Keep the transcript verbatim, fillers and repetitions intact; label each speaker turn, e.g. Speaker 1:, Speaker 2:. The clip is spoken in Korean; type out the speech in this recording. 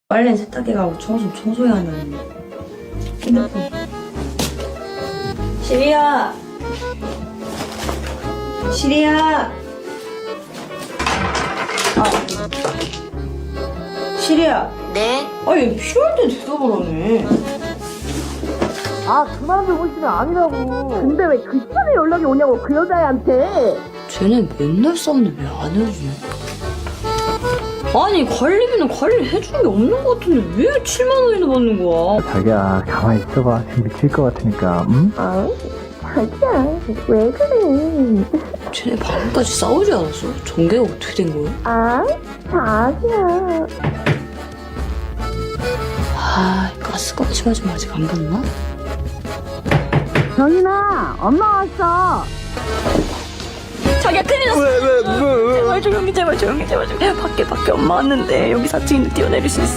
Speaker 1: 빨래는 세탁기 가고 청소는 청소해야 한다는 핸드폰. 시리야! 시리야! 아. 시리야!
Speaker 2: 네?
Speaker 1: 아니 필요할 때 대답을 하네.
Speaker 3: 아, 그 사람들 보시면 아니라고. 근데 왜 그 시간에 연락이 오냐고, 그 여자애한테.
Speaker 1: 쟤는 맨날 싸우는데 왜 안 해주냐? 아니 관리비는 관리를 해주는 게 없는 것 같은데 왜 칠만 원이나 받는 거야?
Speaker 4: 자기야, 가만히 있어봐. 지금 미칠 것 같으니까, 응?
Speaker 3: 아, 자기야, 왜 그래.
Speaker 1: 쟤네 방금까지 싸우지 않았어? 전개가 어떻게 된 거야?
Speaker 3: 아, 자기야.
Speaker 1: 아 가스까지 맞으면 아직 안 봤나?
Speaker 3: 정인아, 엄마 왔어.
Speaker 1: 자기야 큰일 났어. 왜, 왜, 왜, 왜? 제발 조용히 제발 조용히 제발 조용히. 밖에 밖에 엄마 왔는데 여기 사 층인데 뛰어내릴 수 있어?